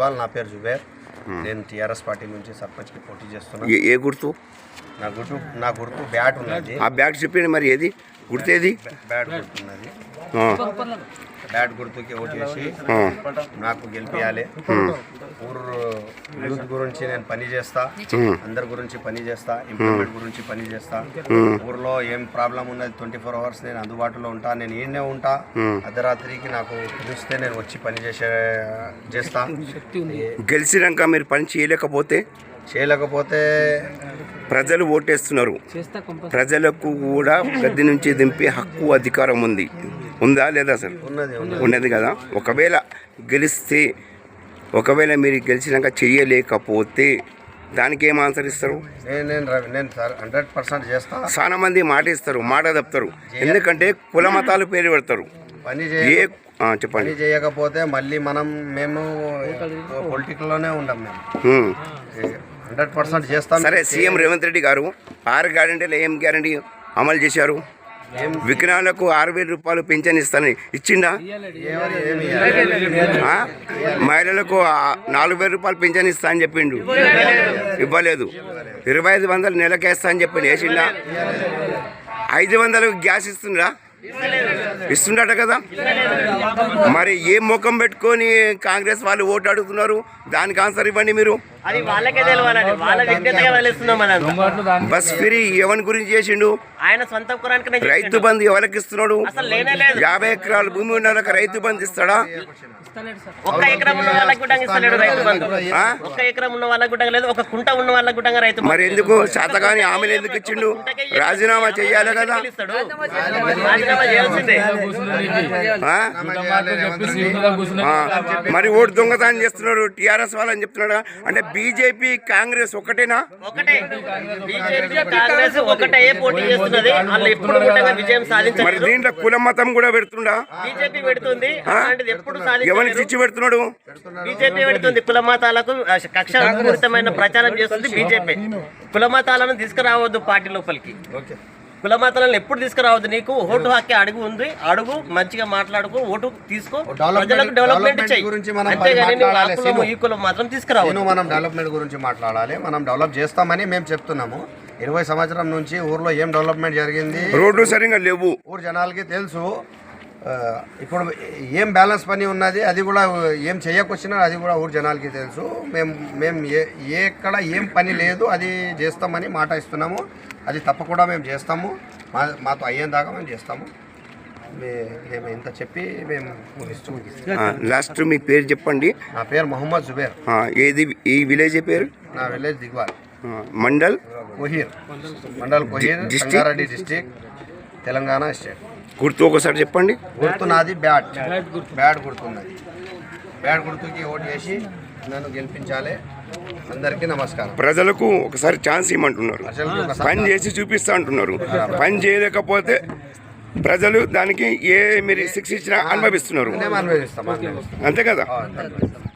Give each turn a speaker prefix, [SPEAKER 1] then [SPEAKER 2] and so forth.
[SPEAKER 1] దిగ్వాల్, నా పేరు జుబేర్. నేను టీఆర్ఎస్ పార్టీ నుంచి సర్పంచ్కి పోటీ చేస్తున్నాను.
[SPEAKER 2] ఏ గుర్తు?
[SPEAKER 1] నా గుర్తు బ్యాట్ ఉన్నది.
[SPEAKER 2] ఆ బ్యాట్ చెప్పండి, మరి ఏది గుర్తు? ఏది
[SPEAKER 1] బ్యాట్ గుర్తున్నది. బ్యాట్ గుర్తుకి ఓటు చేసి నాకు గెలిపియాలి. ఊరు యూత్ గురించి నేను పని చేస్తా, అందరి గురించి పని చేస్తా, ఇంప్రూవ్మెంట్ గురించి పని చేస్తా. ఊర్లో ఏం ప్రాబ్లం ఉన్నది 24 hours నేను అందుబాటులో ఉంటా. నేను ఈయనే ఉంటా. అర్ధరాత్రికి నాకు పిలిస్తే నేను వచ్చి పని చేస్తా.
[SPEAKER 2] గెలిచినాక మీరు పని చేయలేకపోతే ప్రజలు ఓటేస్తున్నారు. ప్రజలకు కూడా గద్దె నుంచి దింపే హక్కు, అధికారం ఉందా లేదా? అసలు ఉన్నది కదా. ఒకవేళ మీరు గెలిచినాక చెయ్యలేకపోతే దానికి ఏం ఆన్సర్ ఇస్తారు?
[SPEAKER 1] నేను 100% చేస్తా.
[SPEAKER 2] చాలా మంది మాట ఇస్తారు, మాట తప్పుతారు. ఎందుకంటే కుల మతాలు పేరు పెడతారు. చెప్పండి.
[SPEAKER 1] చేయకపోతే మళ్ళీ మేము పొలిటికల్లోనే ఉండం. మేము 100% చేస్తాం.
[SPEAKER 2] సరే, సీఎం రేవంత్ రెడ్డి గారు 6 గ్యారెంటీలు ఏం గ్యారెంటీ అమలు చేశారు? వికలాంగులకు 6,000 రూపాయలు పింఛన్ ఇస్తానని ఇచ్చిండా? మహిళలకు 4,000 రూపాయలు పింఛన్ ఇస్తా అని చెప్పిండు, ఇవ్వలేదు. 2,500 నెలకేస్తా అని చెప్పిండు, వేసిండా? 500 గ్యాస్ ఇస్తుండట కదా. మరి ఏ ముఖం పెట్టుకొని కాంగ్రెస్ వాళ్ళు ఓటు అడుగుతున్నారు? దానికి ఆన్సర్ ఇవ్వండి మీరు. బస్ ఫ్రీ ఎవరి గురించి చేసిండు? రైతు బంధు ఎవరికి ఇస్తున్నాడు? 50 ఎకరాల భూమి ఉన్న వాళ్ళకి రైతు బంధు ఇస్తాడా?
[SPEAKER 3] ఒక్క ఎకరం ఉన్న వాళ్ళకి కూడా ఇస్తలేడు రైతు బంధు. ఒక్క ఎకరం ఉన్న వాళ్ళకి కూడా లేదు, ఒక కుంట ఉన్న వాళ్ళకి కూడా రైతు బంధు.
[SPEAKER 2] మరి ఎందుకు శాతగాని ఆమెను ఎందుకు ఇచ్చిండు? రాజీనామా చెయ్యాలి కదా.
[SPEAKER 3] రాజీనామా చేయాల్సిందే.
[SPEAKER 2] మరి ఓటు దొంగతనం చేస్తున్నారు టీఆర్ఎస్ వాళ్ళని చెప్తున్నాడు. అంటే బీజేపీ కాంగ్రెస్ ఒకటేనా?
[SPEAKER 3] ఒకటే. బీజేపీ కాంగ్రెస్ ఒకటే పోటీ చేస్తున్నది. వాళ్ళు ఎప్పుడు కూడా విజయం సాధించారు.
[SPEAKER 2] మరి దీంట్లో కుల మతం కూడా పెడుతుండా?
[SPEAKER 3] బీజేపీ పెడుతుంది. ఎప్పుడు
[SPEAKER 2] ఎవరికి చిచ్చు పెడుతున్నాడు?
[SPEAKER 3] బీజేపీ పెడుతుంది. కుల మతాలకు కక్షపూరితమైన ప్రచారం చేస్తుంది బీజేపీ. కుల మతాలను తీసుకురావద్దు పార్టీ లోపలికి. కుల మతాలను ఎప్పుడు తీసుకురావద్దు. నీకు ఓటు హక్కు అడుగు ఉంది, అడుగు, మంచిగా మాట్లాడుకో, ఓటు తీసుకో, ప్రజలకు డెవలప్మెంట్ చేయి. అంతేగాని ఈ కులం మాత్రం తీసుకురావద్దు.
[SPEAKER 1] మనం డెవలప్మెంట్ గురించి మాట్లాడాలి. మనం డెవలప్ చేస్తామని మేము చెప్తున్నాము. 20 సంవత్సరం నుంచి ఊర్లో ఏం డెవలప్మెంట్ జరిగింది?
[SPEAKER 2] రోడ్లు సరిగా లేవు,
[SPEAKER 1] ఊరు జనాలకి తెలుసు. ఇప్పుడు ఏం బ్యాలెన్స్ పని ఉన్నది, అది కూడా ఏం చేయకొచ్చినా అది కూడా ఊరు జనాలకి తెలుసు. మేము ఎక్కడ ఏం పని లేదు, అది చేస్తామని మాట ఇస్తున్నాము. అది తప్పకుండా మేము చేస్తాము. మాతో అయ్యేదాకా మేము చేస్తాము. మేము ఇంత చెప్పి మేము
[SPEAKER 2] లాస్ట్ మీ పేరు చెప్పండి.
[SPEAKER 1] నా పేరు మొహమ్మద్ జుబేర్.
[SPEAKER 2] ఏది ఈ విలేజ్ పేరు?
[SPEAKER 1] నా village Digwal,
[SPEAKER 2] mandal
[SPEAKER 1] Kohir, Sangareddy district, Telangana state.
[SPEAKER 2] గుర్తు ఒకసారి చెప్పండి.
[SPEAKER 1] గుర్తు నాది బ్యాట్ గుర్తున్నది. బ్యాట్ గుర్తుకి ఓటు వేసి నన్ను గెలిపించాలి. అందరికీ నమస్కారం.
[SPEAKER 2] ప్రజలకు ఒకసారి ఛాన్స్ ఇవ్వమంటున్నారు, పని చేసి చూపిస్తా అంటున్నారు. పని చేయలేకపోతే ప్రజలు దానికి మీరు శిక్ష ఇచ్చినా అనుభవిస్తున్నారు. అంతే కదా.